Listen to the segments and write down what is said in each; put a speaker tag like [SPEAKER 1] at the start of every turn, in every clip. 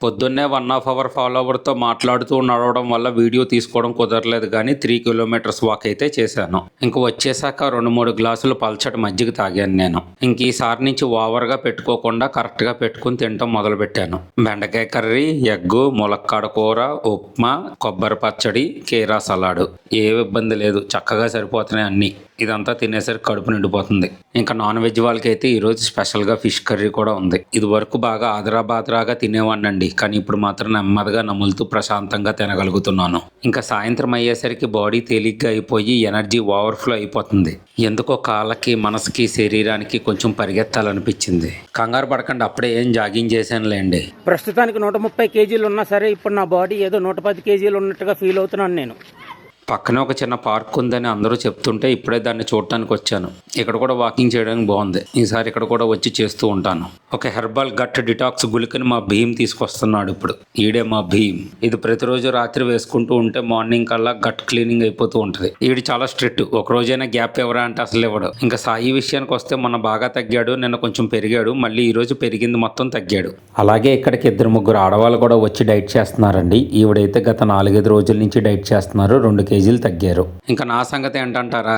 [SPEAKER 1] పొద్దున్నే 1.5 అవర్ ఫాలోవర్తో మాట్లాడుతూ నడవడం వల్ల వీడియో తీసుకోవడం కుదరలేదు, కానీ 3 కిలోమీటర్స్ వాక్ అయితే చేశాను. ఇంక వచ్చేసాక 2-3 గ్లాసులు పల్చటి మజ్జిగ తాగాను నేను. ఇంక ఈసారి నుంచి ఓవర్గా పెట్టుకోకుండా కరెక్ట్గా పెట్టుకుని తినటం మొదలుపెట్టాను. బెండకాయ కర్రీ, ఎగ్గు, ములక్కాడ కూర, ఉప్మా, కొబ్బరి పచ్చడి, కీరా సలాడు. ఏ ఇబ్బంది లేదు, చక్కగా సరిపోతున్నాయి అన్నీ. ఇదంతా తినేసరికి కడుపు నిండిపోతుంది. ఇంకా నాన్ వెజ్ వాళ్ళకైతే ఈరోజు స్పెషల్గా ఫిష్ కర్రీ కూడా ఉంది. ఇది వరకు బాగా ఆదరాబాదరాగా తినేవాడినండి, కానీ ఇప్పుడు మాత్రం నెమ్మదిగా నములుతూ ప్రశాంతంగా తినగలుగుతున్నాను. ఇంకా సాయంత్రం అయ్యేసరికి బాడీ తేలిగ్గా అయిపోయి ఎనర్జీ ఓవర్ఫ్లో అయిపోతుంది. ఎందుకో కాళ్ళకి, మనసుకి, శరీరానికి కొంచెం పరిగెత్తాలనిపించింది. కంగారు పడకండి, అప్పుడే ఏం జాగింగ్ చేశానులేండి.
[SPEAKER 2] ప్రస్తుతానికి 130 కేజీలు ఉన్నా సరే ఇప్పుడు నా బాడీ ఏదో 110 కేజీలు ఉన్నట్టుగా ఫీల్ అవుతున్నాను నేను.
[SPEAKER 1] పక్కనే ఒక చిన్న పార్క్ ఉందని అందరూ చెప్తుంటే ఇప్పుడే దాన్ని చూడటానికి వచ్చాను. ఇక్కడ కూడా వాకింగ్ చేయడానికి బాగుంది. ఈసారి ఇక్కడ కూడా వచ్చి చేస్తూ ఉంటాను. ఒక హెర్బల్ గట్ డిటాక్స్ గుళికని మా భీమ్ తీసుకొస్తున్నాడు ఇప్పుడు. ఈడే మా భీమ్. ఇది ప్రతిరోజు రాత్రి వేసుకుంటూ ఉంటే మార్నింగ్ కల్లా గట్ క్లీనింగ్ అయిపోతూ ఉంటుంది. ఈడు చాలా స్ట్రిక్ట్. ఒక రోజైనా గ్యాప్ ఎవరా అంటే అసలు ఇవ్వడు. ఇంకా సాయి విషయానికి వస్తే మొన్న బాగా తగ్గాడు, నిన్న కొంచెం పెరిగాడు, మళ్ళీ ఈ రోజు పెరిగింది మొత్తం తగ్గాడు. అలాగే ఇక్కడికి 2-3 ఆడవాళ్ళు కూడా వచ్చి డైట్ చేస్తున్నారండి. ఈవిడైతే గత 4-5 రోజుల నుంచి డైట్ చేస్తున్నారు. 2 కేజీలు తగ్గారు. ఇంకా నా సంగతి ఏంటంటారా?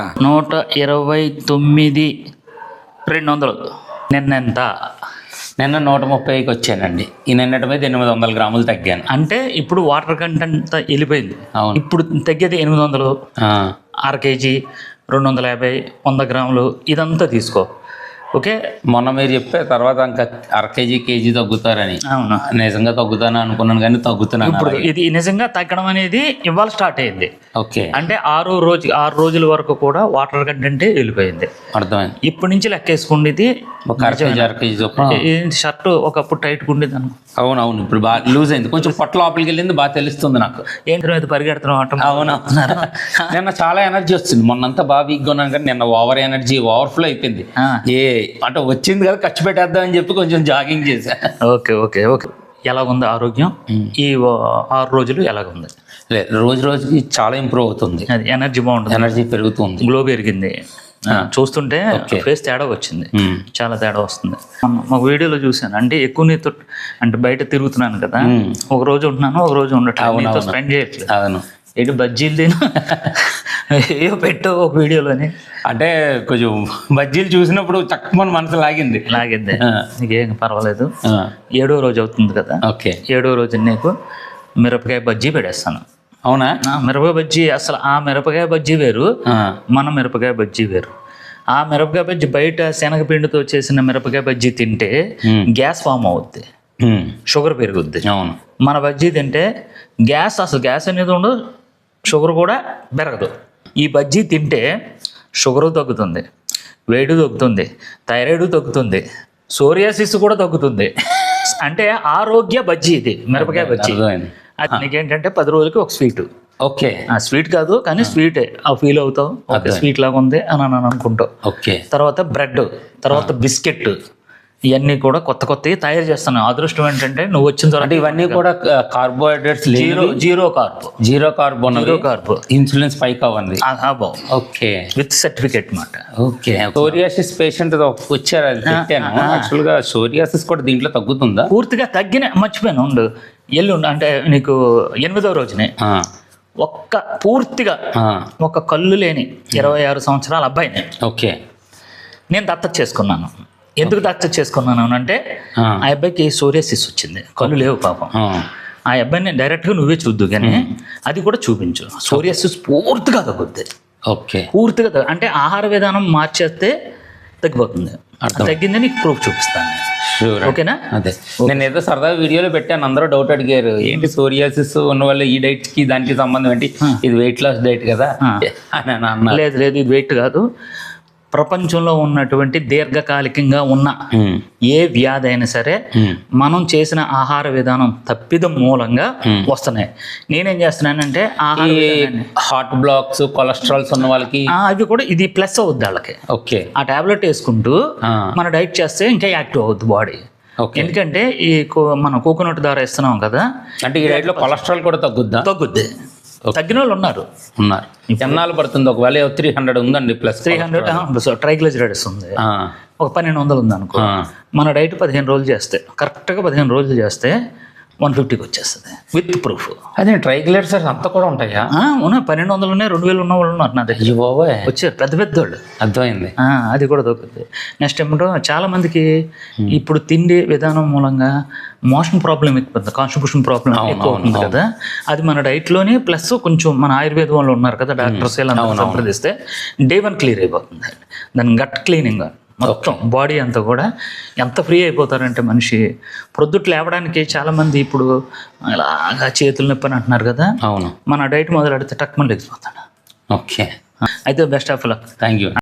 [SPEAKER 3] 129,200. నిన్నెంత?
[SPEAKER 1] నిన్న 130కి వచ్చానండి. ఈ నిన్నటి మీద 800 గ్రాములు తగ్గాను.
[SPEAKER 3] అంటే ఇప్పుడు వాటర్ కంటెంట్ వెళ్ళిపోయింది.
[SPEAKER 1] అవును.
[SPEAKER 3] ఇప్పుడు తగ్గేది 800, అర కేజీ, 250, 100 గ్రాములు ఇదంతా తీసుకో. ఓకే,
[SPEAKER 1] మొన్న మీరు చెప్పే తర్వాత ఇంకా అర కేజీ తగ్గుతారని.
[SPEAKER 3] అవును,
[SPEAKER 1] నిజంగా తగ్గుతాను అనుకున్నాను, కానీ తగ్గుతున్నాను.
[SPEAKER 3] ఇప్పుడు ఇది నిజంగా తగ్గడం అనేది ఇవాళ స్టార్ట్ అయింది.
[SPEAKER 1] ఓకే,
[SPEAKER 3] అంటే 6 రోజుల వరకు కూడా వాటర్ కంటెంటే వెళ్ళిపోయింది.
[SPEAKER 1] అర్థమైంది.
[SPEAKER 3] ఇప్పటి నుంచి లెక్కేసుకోండి. ఇది
[SPEAKER 1] ఒక అర కేజీ చొప్పున.
[SPEAKER 3] షర్ట్ ఒకప్పుడు టైట్గా ఉండేది అనుకో.
[SPEAKER 1] అవునవును, ఇప్పుడు బాగా లూజ్ అయింది. కొంచెం పొట్ట లోపలికి వెళ్ళింది, బాగా తెలుస్తుంది నాకు.
[SPEAKER 3] ఏంటి మీద పరిగెడుతున్నాం అంట.
[SPEAKER 1] అవునవును. నిన్న చాలా ఎనర్జీ వచ్చింది. మొన్నంతా బాగా వీక్గా ఉన్నాను, కానీ నిన్న ఓవర్ఫ్లో అయిపోయింది. అంటే వచ్చింది కదా, ఖర్చు పెట్టేద్దాం అని చెప్పి కొంచెం జాగింగ్ చేశా.
[SPEAKER 3] Okay okay okay. ఎలాగుంది ఆరోగ్యం? ఈ 6 రోజులు ఎలాగుంది?
[SPEAKER 1] లేదు, రోజుకి చాలా ఇంప్రూవ్ అవుతుంది.
[SPEAKER 3] అది ఎనర్జీ బాగుంటుంది,
[SPEAKER 1] ఎనర్జీ పెరుగుతుంది,
[SPEAKER 3] గ్లో పెరిగింది. చూస్తుంటే ఫేస్ తేడా వచ్చింది, చాలా తేడా వస్తుంది. ఒక వీడియోలో చూశాను. అంటే ఎక్కువ నీతో అంటే బయట తిరుగుతున్నాను కదా, ఒక రోజు ఉంటున్నాను, ఒక రోజు ఉండట్లేదు, నీతో స్పెండ్ చేయట్లేదు.
[SPEAKER 1] అవును.
[SPEAKER 3] ఏంటి బజ్జీలు తిను ఏవో పెట్టు ఒక వీడియోలోని.
[SPEAKER 1] అంటే కొంచెం బజ్జీలు చూసినప్పుడు చక్కమని మనసు లాగింది.
[SPEAKER 3] నీకేం పర్వాలేదు. 7వ రోజు అవుతుంది కదా.
[SPEAKER 1] ఓకే,
[SPEAKER 3] 7వ రోజు నీకు మిరపకాయ బజ్జీ పెడేస్తాను.
[SPEAKER 1] అవునా?
[SPEAKER 3] మిరపకాయ బజ్జీ అసలు ఆ మిరపకాయ బజ్జీ వేరు, మన మిరపకాయ బజ్జీ వేరు. ఆ మిరపకాయ బజ్జీ బయట శనగపిండితో చేసిన మిరపకాయ బజ్జీ తింటే గ్యాస్ ఫామ్ అవుద్ది, షుగర్ పెరుగుద్ది.
[SPEAKER 1] అవును.
[SPEAKER 3] మన బజ్జీ తింటే అసలు గ్యాస్ అనేది ఉండదు, షుగర్ కూడా పెరగదు. ఈ బజ్జీ తింటే షుగరు తగ్గుతుంది, వేడి తగ్గుతుంది, థైరాయిడ్ తగ్గుతుంది, సోరియాసిస్ కూడా తగ్గుతుంది. అంటే ఆరోగ్య బజ్జీ ఇది, మిరపకాయ బజ్జీ. అది నీకేంటంటే 10 రోజులకి ఒక స్వీట్.
[SPEAKER 1] ఓకే,
[SPEAKER 3] స్వీట్ కాదు కానీ స్వీటే ఫీల్ అవుతావు, స్వీట్ లాగా ఉంది అని అనుకుంటావు.
[SPEAKER 1] ఓకే,
[SPEAKER 3] తర్వాత బ్రెడ్, తర్వాత బిస్కెట్, ఇవన్నీ కూడా కొత్తవి తయారు చేస్తాను. అదృష్టం ఏంటంటే నువ్వు వచ్చిన తర్వాత
[SPEAKER 1] ఇవన్నీ కూడా carbohydrates
[SPEAKER 3] zero carb
[SPEAKER 1] insulin spike అవ్వండి. ఓకే,
[SPEAKER 3] విత్ సర్టిఫికేట్ మాట.
[SPEAKER 1] ఓకే, సోరియాసిస్ పేషెంట్ వచ్చారు, అది పెట్టాను. యాక్చువల్గా సోరియాసిస్ కూడా దీంట్లో తగ్గుతుందా?
[SPEAKER 3] పూర్తిగా మర్చిపోయాను. ఎల్లుండి అంటే నీకు 8వ రోజునే పూర్తిగా ఒక కళ్ళు లేని 26 సంవత్సరాల అబ్బాయిని
[SPEAKER 1] ఓకే
[SPEAKER 3] నేను దత్తత చేసుకున్నాను. ఎందుకు దత్తత చేసుకున్నాను అంటే ఆ అబ్బాయికి సోరియాసిస్ వచ్చింది, కళ్ళు లేవు పాపం. ఆ అబ్బాయిని డైరెక్ట్గా నువ్వే చూద్దు కానీ అది కూడా చూపించు. సోరియాసిస్ పూర్తిగా తగ్గుద్ది.
[SPEAKER 1] ఓకే,
[SPEAKER 3] పూర్తిగా అంటే ఆహార విధానం మార్చేస్తే తగ్గిపోతుంది. తగ్గింది నీకు ప్రూఫ్ చూపిస్తాను. ఓకేనా?
[SPEAKER 1] అదే నేను ఏదో సరదా వీడియోలో పెట్టాను, అందరూ డౌట్ అడిగారు, ఏంటి సోరియాసిస్ ఉన్న వాళ్ళు ఈ డైట్ కి దానికి సంబంధం ఏంటి, ఇది వెయిట్ లాస్ డైట్ కదా అని అన్నా.
[SPEAKER 3] లేదు ఇది వెయిట్ కాదు. ప్రపంచంలో ఉన్నటువంటి దీర్ఘకాలికంగా ఉన్న ఏ వ్యాధి అయినా సరే మనం చేసిన ఆహార విధానం తప్పిదం మూలంగా వస్తున్నాయి. నేనేం చేస్తున్నానంటే
[SPEAKER 1] హార్ట్ బ్లాక్స్, కొలెస్ట్రాల్స్ ఉన్న వాళ్ళకి
[SPEAKER 3] అవి కూడా ఇది ప్లస్ అవుద్ది వాళ్ళకి.
[SPEAKER 1] ఓకే, ఆ
[SPEAKER 3] టాబ్లెట్ వేసుకుంటూ మన డైట్ చేస్తే ఇంకా యాక్టివ్ అవుద్ది బాడీ. ఎందుకంటే ఈ మనం కోకోనట్ ద్వారా ఇస్తున్నాం కదా,
[SPEAKER 1] అంటే ఈ డైట్లో కొలెస్ట్రాల్ కూడా తగ్గుద్ది.
[SPEAKER 3] తగ్గిన వాళ్ళు ఉన్నారు.
[SPEAKER 1] ఎన్నాళ్ళు పడుతుంది? ఒకవేళ 300 ఉందండి, ప్లస్
[SPEAKER 3] 300 ట్రైగ్లిజరైడ్స్ ఉంది, ఒక 1200 ఉంది అనుకో. మన డైట్ 15 రోజులు చేస్తే, కరెక్ట్గా 15 రోజులు చేస్తే 150కి వచ్చేస్తుంది విత్ ప్రూఫ్.
[SPEAKER 1] అదే ట్రైగ్లిసరైడ్స్ అంతా కూడా ఉంటాయా?
[SPEAKER 3] ఉన్నాయి, 1200 ఉన్నాయి, 2000 ఉన్న వాళ్ళు ఉన్నారు నా దగ్గర.
[SPEAKER 1] అయ్యో బాబోయ్,
[SPEAKER 3] వచ్చారు పెద్ద పెద్ద వాళ్ళు.
[SPEAKER 1] అర్థమైంది.
[SPEAKER 3] అది కూడా దొరుకుతుంది. నెక్స్ట్ ఏమంటో చాలా మందికి ఇప్పుడు తిండి విధానం మూలంగా మోషన్ ప్రాబ్లం ఎక్కువ, కాన్స్టిట్యూషన్ ప్రాబ్లం ఎక్కువ అవుతుంది కదా. అది మన డైట్లోనే ప్లస్ కొంచెం మన ఆయుర్వేదం వాళ్ళు ఉన్నారు కదా డాక్టర్స్, ఇలా సంప్రదిస్తే డే 1 క్లియర్ అయిపోతుంది. దాని గట్ క్లీనింగ్ మొత్తం బాడీ అంతా కూడా ఎంత ఫ్రీ అయిపోతారంటే మనిషి ప్రొద్దుట్లు లేవడానికి చాలామంది ఇప్పుడు ఇలాగా చేతులు నొప్పి అని అంటున్నారు కదా.
[SPEAKER 1] అవును,
[SPEAKER 3] మన డైట్ మొదలెడితే టక్మని లేచిపోతాడు.
[SPEAKER 1] ఓకే,
[SPEAKER 3] అయితే best of luck.
[SPEAKER 1] Thank you.